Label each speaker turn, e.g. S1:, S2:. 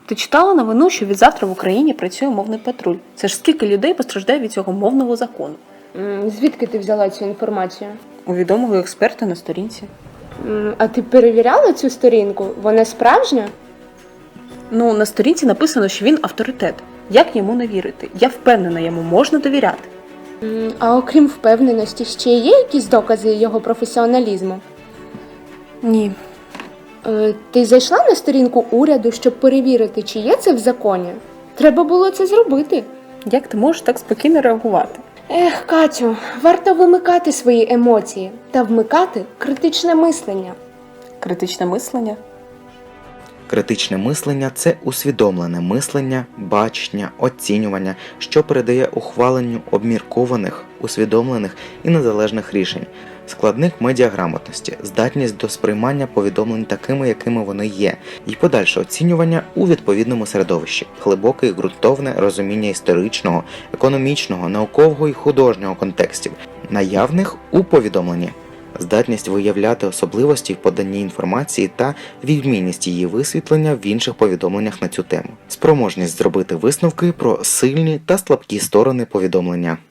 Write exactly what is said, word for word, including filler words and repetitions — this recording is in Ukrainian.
S1: Ти читала новину, що від завтра в Україні працює мовний патруль? Це ж скільки людей постраждає від цього мовного закону?
S2: М, Звідки ти взяла цю інформацію?
S1: У відомого експерта на сторінці.
S2: М, А ти перевіряла цю сторінку? Вона справжня?
S1: Ну, на сторінці написано, що він авторитет. Як йому не вірити? Я впевнена, йому можна довіряти.
S2: М, А окрім впевненості, ще є якісь докази його професіоналізму?
S1: Ні.
S2: Е, Ти зайшла на сторінку уряду, щоб перевірити, чи є це в законі? Треба було це зробити.
S1: Як ти можеш так спокійно реагувати?
S2: Ех, Катю, варто вимикати свої емоції та вмикати критичне мислення.
S1: Критичне мислення?
S3: Критичне мислення – це усвідомлене мислення, бачення, оцінювання, що передає ухваленню обміркованих, усвідомлених і незалежних рішень. Складник медіаграмотності – здатність до сприймання повідомлень такими, якими вони є, і подальше оцінювання у відповідному середовищі, глибоке і ґрунтовне розуміння історичного, економічного, наукового і художнього контекстів, наявних у повідомленні. Здатність виявляти особливості в поданні інформації та відмінність її висвітлення в інших повідомленнях на цю тему. Спроможність зробити висновки про сильні та слабкі сторони повідомлення.